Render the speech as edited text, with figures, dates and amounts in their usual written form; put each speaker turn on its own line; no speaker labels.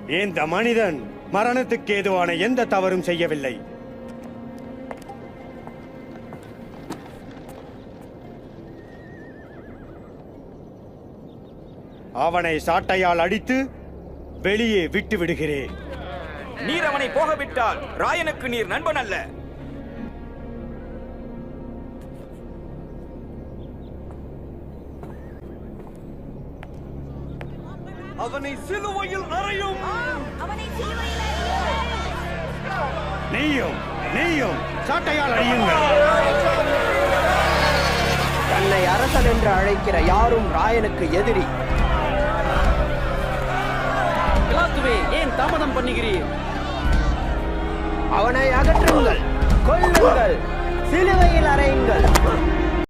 இந்த மனிதன் மரணத்துக்கு ஏதுவான எந்த தவறும் செய்யவில்லை. அவனை சாட்டையால் அடித்து வெளியே விட்டு விடுகிறேன்.
நீர் அவனை போகவிட்டால் ராயனுக்கு நீர் நண்பன் அல்ல.
அவனை சிலுவையில் அறையும்.
நீயும் சாட்டையால் அடியுங்கள்.
தன்னை அரசன் என்று அழைக்கிற யாரும் ராயனுக்கு எதிரி.
ஏன் தாமதம் பண்ணுகிறீர்?
அவனை அகற்றுங்கள், கொல்லுங்கள், சிலுவையில் அறையுங்கள்.